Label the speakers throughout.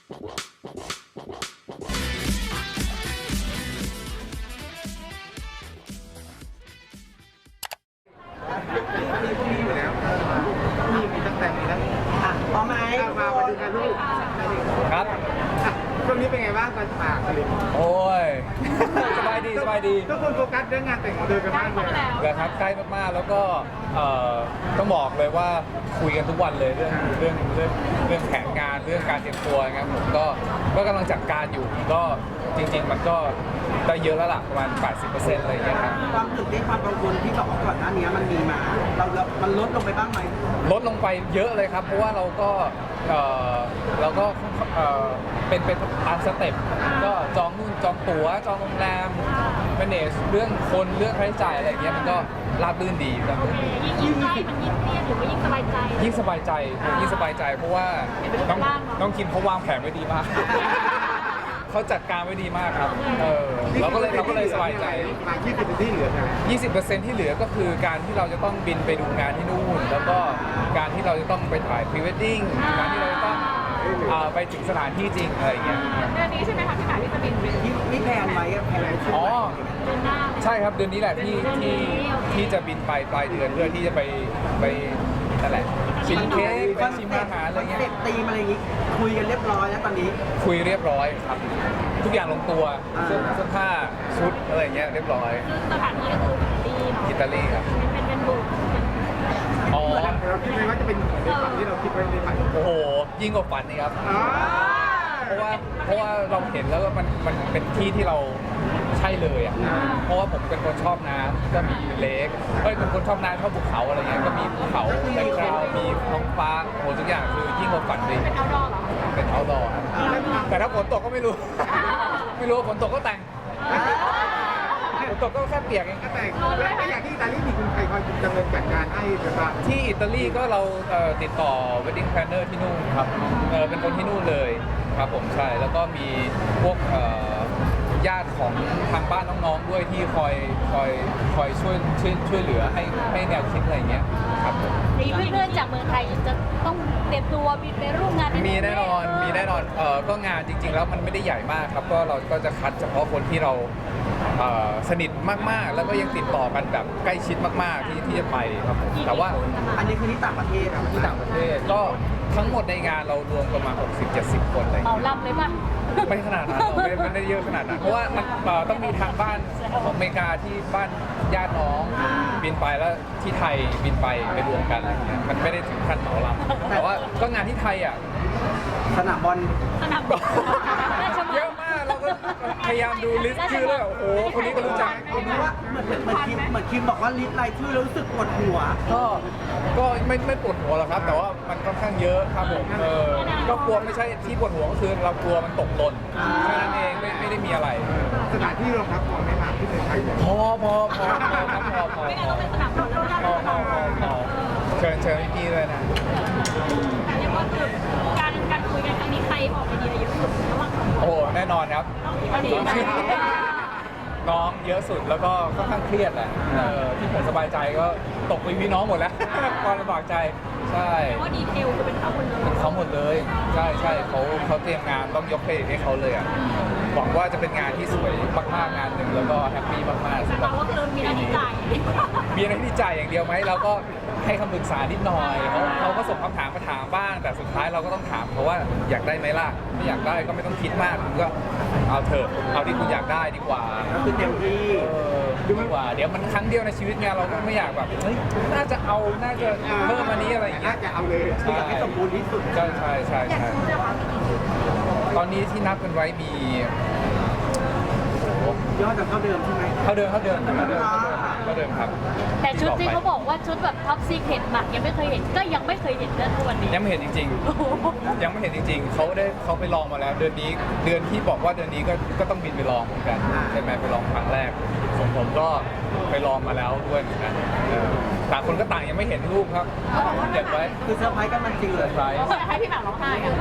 Speaker 1: มีตั้งแต่มีแล้ว
Speaker 2: พร้อมไหม
Speaker 1: มาดูกันลูก
Speaker 3: ครับ
Speaker 1: ช่วงนี้เป็นไงบ้างการฝากผลิต
Speaker 3: โอ้ย สบายดีสบายดี
Speaker 1: ทุกคนโฟกัสเรื่องงานแต่งของเธอกันมากเลย
Speaker 3: เลยครับใกล้มากๆแล้วก็ต้องบอกเลยว่าคุยกันทุกวันเลยเรื่องแผนงานเรื่องการเตรียมตัวนะครับผมก็กำลังจัดการอยู่ก็จริงๆมันก็ได้เยอะแล้วล่ะประมาณ 80% อะไรอย่างเงี้ยครับ
Speaker 2: ความตื่นเต้นความกังวลที่บอกว่าก่อนหน้านี้มันมีมามันลดลงไปบ้างไหม
Speaker 3: ลดลงไปเยอะเลยครับเพราะว่าเราก็เป็นตามสเต็ปก็จองนู่นจองตั๋วจองโรงแรมmanage เรื่องคนเรื่องค่าใช้จ่ายอะไรอย่างเงี้ยมันก็ราบรื่นดีครับ
Speaker 4: ยิ่งใกล้มันยิ่งเครียดหรือว่ายิ่งสบายใจ
Speaker 3: ยิ่งสบายใจเพราะว่าน้องคิมเขาวางแผนไว้ดีมากเขาจัดการไว้ดีมากครับเราก็เลยสบายใจ
Speaker 1: 20% ที่เหลือใช่ไหม
Speaker 3: 20% ที่เหลือก็คือการที่เราจะต้องบินไปดูงานที่นู่นแล้วก็การที่เราจะต้องไปถ่ายพรีเวดดิ้งการที่เราจะต้องไปถึงสถานที่จริงอะไรอย่างเงี้ย
Speaker 4: เดือนนี้ใช่ไหมคะพี่หมายที่จะบิน
Speaker 2: ที่แพลนไว้แพลนช่วง
Speaker 3: อ๋อ
Speaker 4: เดือนหน้า
Speaker 3: ใช่ครับเดือนนี้แหละที่จะบินไปปลายเดือนเพื่อที่จะไปนั่นแหละชิมเค้กไปชิมอาหารอะไรเงี้ย
Speaker 2: ตีมอะไรอย่างงี้คุยกันเรียบร้อยแล้วตอนนี้
Speaker 3: คุยเรียบร้อยครับทุกอย่างลงตัวเสื้อผ้าชุดอะไรเงี้ยเรียบร้อย
Speaker 4: สถานที่ก็คือ
Speaker 3: อิตาลีครับ
Speaker 4: เป็นบุก
Speaker 3: อ๋อ
Speaker 1: เราคิดไหมว่าจะเป็นเหมือนในฝันที่เราคิดไว้ในฝัน
Speaker 3: โอ้โหยิ่งกว่าฝันนี่ครับเพราะว่าเราเห็นแล้วว่ามันเป็นที่ที่เราใช่เลยอ่ะเพราะว่าผมเป็นคนชอบน้ำก็มีเลคเป็นคนชอบน้ำชอบภูเขาอะไรเงี้ยก็มีภูเขาแบ็คกราวด์มีท้องฟ้าโหทุกอย่างคือยิ่งกว่าฝันเลย
Speaker 4: เป็นเอาดอร์เหรอ
Speaker 3: เป็นเอาดอร์แต่ถ้าฝนตกก็ไม่รู้ว่าฝนตกก็แต่งฝนตกก็แค่เปียกเอง
Speaker 1: ก็แต่งแล้วอย่างที่อิตาลีมีคุณใครคอยดำเนินจัดการให้หรือเปล่า
Speaker 3: ที่อิตาลีก็เราติดต่อ wedding planner ที่นู่นครับเป็นคนที่นู่นเลยครับผมใช่แล้วก็มีพวกญาติของทางบ้านน้องๆด้วยที่คอยช่วยเหลือให้แนวคิดอะไรอย่างเงี้ยครับ
Speaker 4: มีเพื่อนๆจากเมืองไทยจะต้องเตรียมตัวบินไปร่วมงาน
Speaker 3: มีแน่นอนก็งานจริงๆแล้วมันไม่ได้ใหญ่มากครับก็เราก็จะคัดเฉพาะคนที่เราสนิทมากๆแล้วก็ยังติดต่อกันแบบใกล้ชิดมากๆที่จะไปครับแต่ว่า
Speaker 2: อันนี้คือที่ต่างประเทศ
Speaker 3: ที่ต่างประเทศก็ทั้งหมดในงานเรารวมประมาณ 60-70 คนเลย
Speaker 4: เหมาลำเลยป่ะ
Speaker 3: ไม่ขนาดนั้นไม่ได้เยอะขนาดนั้นเพราะว่ามันต้องมีทางบ้านของอเมริกาที่บ้านญาติน้องบินไปแล้วที่ไทยบินไปรวมกันอะไรเงี้ยมันไม่ได้ถึงขั้นเหมาลำแต่ว่าก็งานที่ไทยอ่ะ
Speaker 2: สนามบอล
Speaker 3: เยอะมากเราก็พยายามดูลิสต์ชื่อแล้วโอ้โหคนนี้ก็รู้จัก
Speaker 2: ผมว่าเหมือนคิมบอกว่าลิสต์รายชื่อแล้วรู้สึกปวดหัว
Speaker 3: ก็ไม่ปวดหัวหรอกครับแต่ว่ามันค่อนข้างเยอะครับผมก็กลัวไม่ใช่ที่ปวดหัวก็คือเรากลัวมันตกหล่นแค่นั้นเองไม่ได้มีอะไร
Speaker 1: สถานที่รองรับพอไหมครับที่เมืองไทย
Speaker 3: พอครับพอ
Speaker 4: ไม่งั้นเราเป็นสนามบอล
Speaker 3: เชิญพี่เลยนะ
Speaker 4: เรียกว่าคือการคุยกันครั้งนี้ใครออกไอเดียเยอะสุดระหว่าง
Speaker 3: โอ้แน่นอนครับน้องเยอะสุดแล้วก็ค่อนข้างเครียดแหละที่ผมสบายใจก็ตกไปพี่น้องหมดแล้วความลำบากใจใช่
Speaker 4: ว่าดีเทลคือเป็นเขาหมดเลย
Speaker 3: เขาหมดเลยใช่เขาเตรียมงานต้องยกเครดิตให้เขาเลยอ่ะหวังว่าจะเป็นงานที่สวยมากๆงานหนึ่งแล้วก็แฮปปี้มากๆสำหรับ
Speaker 4: ว่าคือมีอะไรที่จ่าย
Speaker 3: มีอะไรที่จ่ายอย่างเดียวไหมเราก็ให้คำปรึกษานิดหน่อยเขาก็ส่งคำถามมาถามบ้างแต่สุดท้ายเราก็ต้องถามเพราะว่าอยากได้ไหมล่ะไม่อยากได้ก็ไม่ต้องคิดมากคุณก็เอาเถอะเอาที่คุณอยากได้ดีกว่า
Speaker 2: ก็คือเต็มที่
Speaker 3: ดีกว่าเดี๋ยวมันครั้งเดียวในชีวิตไงเราก็ไม่อยากแบบเฮ้ยน่าจะเพิ่มมานี้อะไรอย่างเงี้ย
Speaker 1: จะเอาเลย
Speaker 2: อยากให้สมบูรณ์ที่สุด
Speaker 3: ใช่ตอนนี้ที่นับกันไว้มี
Speaker 2: ยอดจะเท่าเดิมใช่ไหม
Speaker 3: เท่าเดิมครับ
Speaker 4: แต่ชุดที่เขาบอกว่าชุดแบบท็อปซีเคร็ตหมักยังไม่เคยเห็นก็ยังไม่เคยเห็นเรื่องวันนี้
Speaker 3: ยังไม่เห็นจริงๆยังไม่เห็นจริงๆเขาไปลองมาแล้วเดือนที่บอกว่าเดือนนี้ก็ต้องบินไปลองเหมือนกันใช่ไหมไปลองครั้งแรกผมก็ไปลองมาแล้วด้วยเหมือนกันต่างคนก็ต่างยังไม่เห็นรูปครับเก็บไว้
Speaker 2: คือเซอร์ไพรส์กันมันจริงเลย
Speaker 4: ให้พี่หมากร้องไห้กัน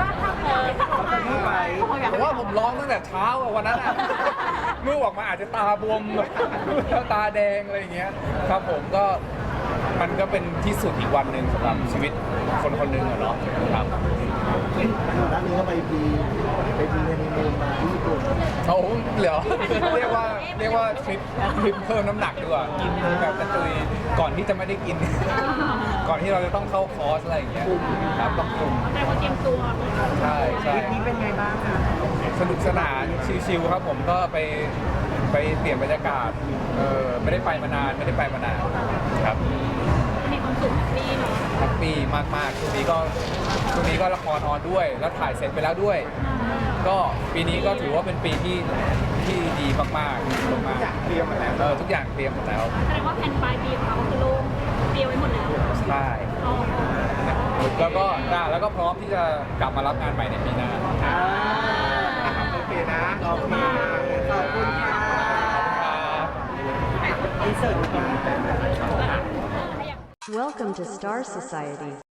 Speaker 3: เพราะว่าผมร้องตั้งแต่เช้าวันนั้นรูปออกมาอาจจะตาบวมแล้วตาแดงอะไรอย่างเงี้ยครับผมก็มันก็เป็นที่สุดอีกวันหนึ่งสำหรับชีวิตคนหนึ่งอะเนาะครับ
Speaker 5: ด้านนี้ก็ไปพีเฮนิมูนมาที่ญี่ปุ่น
Speaker 3: เขาเหรอ เรียกว่าทริปเพิ่มน้ำหนักดีกว่ากินแบบกระตุยก่อนที่จะไม่ได้กิน ก่อนที่เราจะต้องเข้าคอร์สอะไรอย่างเงี้ยครับต้องคุม
Speaker 4: แต่ว่าเตรียมตัว
Speaker 3: ใช่ใช่
Speaker 2: ทริปนี้เป็นไงบ้างคะ
Speaker 3: สนุกสนานชิลๆครับผมก็ไปเปลี่ยนบรรยากาศไม่ได้ไปมานานครับ
Speaker 4: มีความสุขดีเนาะ
Speaker 3: แฮปปี้มากๆช่วงนี้ก็ละครออนด้วย แล้วถ่ายเสร็จไปแล้วด้วย ก็ปีนี้ก็ถือว่าเป็นปีที่ดีมากๆ
Speaker 1: อยากเตรียมมาแล้ว
Speaker 3: ทุกอย่างเตรียมหมดแล้ว
Speaker 4: แสดงว่าแผนปลายปีของเราคือโล่งเตรียมไว้หมดแล้ว
Speaker 3: ใช่
Speaker 4: อ๋อ
Speaker 3: แล้วก็พร้อมที่จะกลับมารับงานใหม่ในปีหน้า
Speaker 1: โอเคนะ
Speaker 2: โอเคขอบคุณค่ะอินเสิร์ต
Speaker 4: อยาก
Speaker 6: Welcome to Star Society.